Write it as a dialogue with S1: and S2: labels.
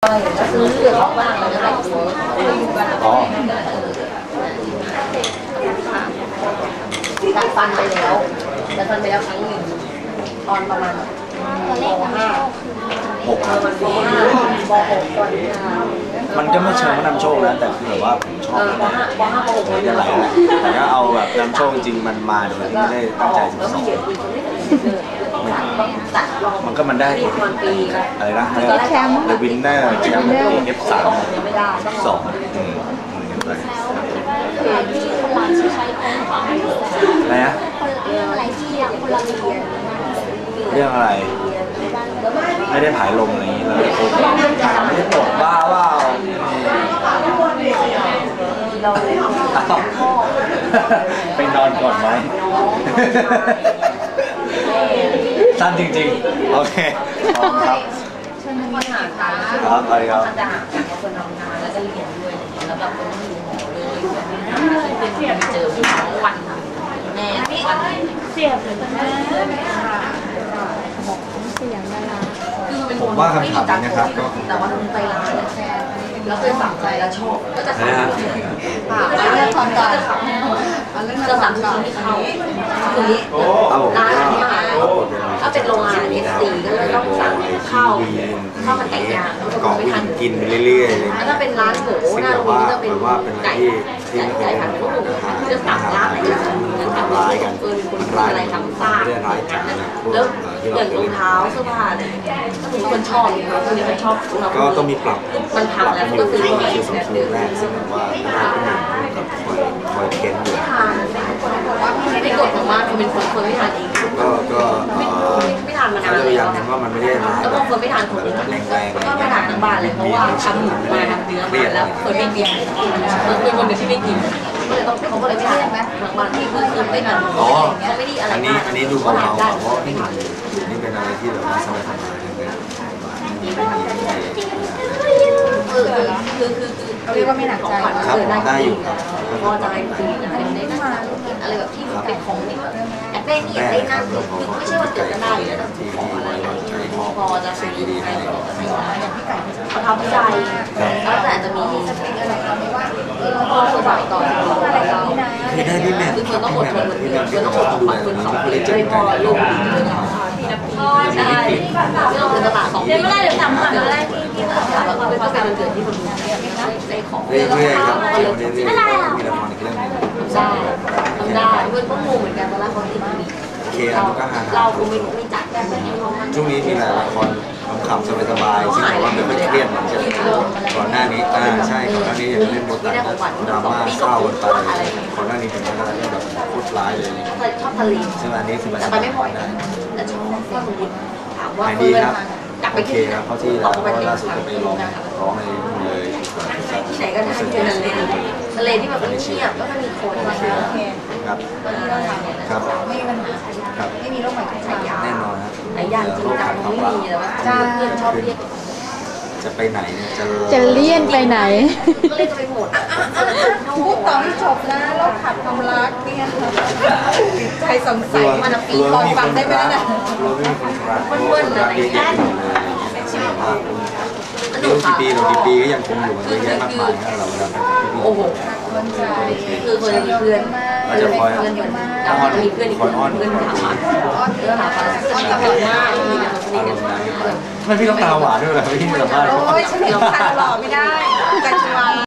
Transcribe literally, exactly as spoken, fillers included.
S1: ก็ซื้อเขาบ้างแล้วก็แต่งตัวอ๋อดัดฟันไปแล้วดัดฟันไปแล้วครั้งหนึ่งตอนประมาณปห้า
S2: หกครับ
S1: ปห้าปหกตอนนี้
S2: มันก็ไม่เชิงว่านำโชคนะแต่คือแบบว่าผมชอบ
S1: ปห้าปห้าปหก
S2: มันจะไหลแต่ถ้าเอาแบบนำโชคจริงมันมาโดยที่ไม่ได้ตั้งใจจะสอนมันก็มันได้อะไรนะแชมป์เดอะวินเนอร์แชมป์เอฟสามสองอืมอะไรนะ
S3: เรื่องอะไรที่คนละเรียน
S2: เรื่องอะไรไม่ได้ผายลมอะไรอย่างนี้เลยไม่ได้ปวดบ้าว่าไปนอนก่อนไหมสั้นจริงๆโอเคพร้อมครับครับไปครับ
S1: จะหาคนทำงานแล้วก็เรียนด้วยแล้วแบบคนที่อยู่หอเลยเป็นที่ไปเจอพี่น้องวันแม่วัน
S3: เสียบเลยแม่เสียงดารา
S2: ผมว่าคำถามนี้นะครับก็
S1: แต่ว่าไปร้านแล้วเคยสั่งใจแล้วชอบก็จะสั่งค่ะเรื่องความก็จะสั่งจะสั่งทุกที่เขาคือร้านนี้ถ้าเป็นโรงงานเอสซีก็เลยต้องสั่งข้าวข้าวมันไก่ย่าง
S2: กองกินเรื่อยๆเลย
S1: แล้วถ้าเป็นร้านหมูหน้าตรงนี้จะเป็นไก่ไก่ไก่ผัดกุ้งจะสั่งร้านไหนก็สั่งจะสั่งร้านกันเออคนอะไรทำซ่าแล้วอย่างรองเท้าเสื้อผ้าเนี่ยถ้าเป็นคนชอบเนี่ยค่ะคนนี้คนชอบ
S2: ก็ต้องมีปรับ
S1: มันพังแล้วก็ซื้อมา
S2: คือสองสูตรแรกซึ่งแบบว่าได้ที่หนึ่งกับคอยคอยเค้นอยู่
S1: ไม่กดของมากเป็นคนคนไม่ทานเอง
S2: ก็ก็
S1: ไม่ทานมานาน
S2: เลยยังเห็นว่ามันไม่ได้ร้าย
S1: แล้วบางคนไม่ทานของแรงๆก็ไม่ทานทั้งบ้านเลยเพราะว่าทำหมูมาทำเนื้อมาแล้วคนไม่กินคือคนเดียวที่ไม่กินก็เลยต้องเขาก็เลยไม่ทานทางบ้านที่คือคือไม่ทาน
S2: อ๋อ
S1: ไม่ได้อะไร
S2: อันนี้อันนี้ดูเบาๆเพราะนี่นี่เป็นอะไรที่แบบว่าสบายๆ
S1: คือคือคือ
S3: เรียกว่าไม่หนักใจ
S2: ครับได้อยู่ครับ
S1: พอใจคืออะไรได้นั่งอะไรแบบที่เป็นของนี่แบบแอบได้นี่ได้นั่นคือไม่ใช่ว่าเกิดจะได้แล้วต้องขออะไรพอจะซื้ออะไรก็ซื้ออย่างที่ไก่ประทับใจแล้วแต่จะมีสเปคอะไรก็ไม่ว่าพอสบายต่ออะไรเรา
S2: คือได้พี่แม่
S1: คือคนต้องอดทนเหมือนเดิมคนต้องอดทนฝันคนสองคนเลยพอลูกพ่อใช่ที่เราเป็นตลาดสองเดือนไม่ได้เดี๋ยวทำมาเดือนแรกที่ที่เราแบบเป็นต้องเป็นวันเกิดที่คนดูได้ของ
S2: เรื่อยๆครับเรื่อยๆมีละครอีกเรื่องนึง
S1: ได้ทำได้เพื่อนก็งงเหมือนกันเวลาเขาติดมี
S2: เรา
S1: เราคงไม่ไม่จัด
S2: ช่วงนี้มีหลายละครขำๆสบายๆซึ่งผมว่าไม่ค่อยเครียดเหมือนจะก่อนหน้านี้อ่าใช่ก่อนหน้านี้ยังเล่นบทดราม่าเศร้ากันไปก่อนหน้านี้เป็นอะไรที่แบบโคตรร้ายเลย
S1: ชอบทะเล
S2: ซึ่งอันนี้คือมัน
S1: ไปไม่บ่อยแต่ชอบก็สมมติถามว่า
S2: เพื่อนกลับไปที่ครับเขาที่แล้วก็ล่าสุดจะไปร้องร้องในเลย
S1: ที่ไหนก็ได้ที่เป็นทะเลทะเลที่แบบเงียบแล้วก็มีคนมาเยอะ
S2: ครับครับ
S3: ไม่มีปัญหา
S2: ครับ
S3: ไม่มีโรคใหม่ทุกอย่าง
S2: แน่นอนครับ
S1: ไอ้ยางจริงจังไม่มีแล้วเพื่อนชอบเรียก
S2: จะไปไหนเนี่ยจะ
S3: จะเลี่ยนไปไหน
S1: ก็เลยจะไปหมด
S3: พูดต่อให้จบนะโรคขัดความรักเนี่ยใจสงสัยมันปีก่อนฟังได้ไหมนะ
S2: เราไม่มีคนรักเพื่อนอะไรเงี้ยโดนกี่ปีโดนกี่ปีก็ยังคงอยู่เยอะแยะมากมายนะเรา
S1: โอ้โหคือคนมีเพื่อน
S2: เราจะคอย
S1: เพื่อนอยู่แล้วพอมีเพื่อนอีกคนเพื่อนถามมาเพื่อนถามมาอ้อนกับมากมีแต่คนสนิทกัน
S2: ทำไมพี่ต้องตาหวานด้วยล่ะพี่สัมภาษณ์
S3: โอ้ยฉันเห็นคันหล่อไม่ได้ใจชวา